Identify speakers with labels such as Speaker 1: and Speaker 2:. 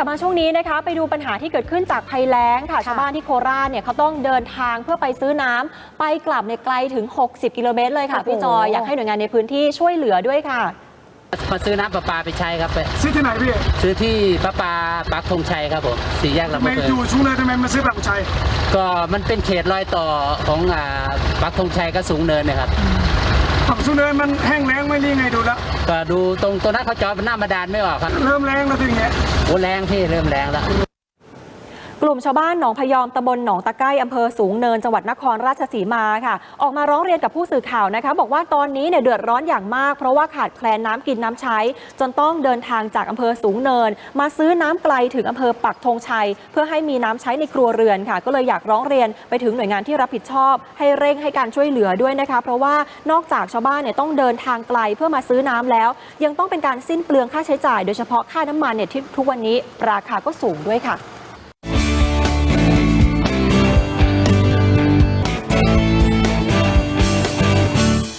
Speaker 1: ลับมาช่วงนี้นะคะไปดูปัญหาที่เกิดขึ้นจากภัยแล้งค่ะชาวบ้านที่โคราชเนี่ยเขาต้องเดินทางเพื่อไปซื้อน้ำไปกลับในไกลถึง60 กิโลเมตรเลยค่ะพี่จอยอยากให้หน่วยงานในพื้นที่ช่วยเหลือด้วยค่ะ
Speaker 2: มาซื้อน้ำประปาไปใช้ครับ
Speaker 3: ซื้อที่ไหนพี่
Speaker 2: ซื้อที่ประปาปักธงชัยครับผมสี่แยกลำพูน
Speaker 3: ไม่อยู่ชุงเลยทำไมมาซื้อปักธงชัย
Speaker 2: ก็มันเป็นเขตรอยต่อของปักธงชัยกับสูงเนินนะครับ
Speaker 3: ฝั่งสูงเนินมันแห้งแล้งไม่รีไงดูแล้ว
Speaker 2: ก็ดูตรงนั้นเขาจอดเป็นหน้าบาดาลไม่ออกครับ
Speaker 3: เริ่มแรงแล้วทีเงี้ย
Speaker 2: โอ้แรงพี่เริ่มแรงแล้ว
Speaker 1: กลุ่มชาวบ้านหนองพยอมตำบลหนองตะไคร้อำเภอสูงเนินจังหวัดนครราชสีมาค่ะออกมาร้องเรียนกับผู้สื่อข่าวนะคะบอกว่าตอนนี้เนี่ยเดือดร้อนอย่างมากเพราะว่าขาดแคลนน้ำกินน้ำใช้จนต้องเดินทางจากอำเภอสูงเนินมาซื้อน้ำไกลถึงอำเภอปักธงชัยเพื่อให้มีน้ำใช้ในครัวเรือนค่ะก็เลยอยากร้องเรียนไปถึงหน่วยงานที่รับผิดชอบให้เร่งให้การช่วยเหลือด้วยนะคะเพราะว่านอกจากชาวบ้านเนี่ยต้องเดินทางไกลเพื่อมาซื้อน้ำแล้วยังต้องเป็นการสิ้นเปลืองค่าใช้จ่ายโดยเฉพาะค่าน้ำมันเนี่ยที่ทุกวันนี้ราคาก็สูงด้วยค่ะ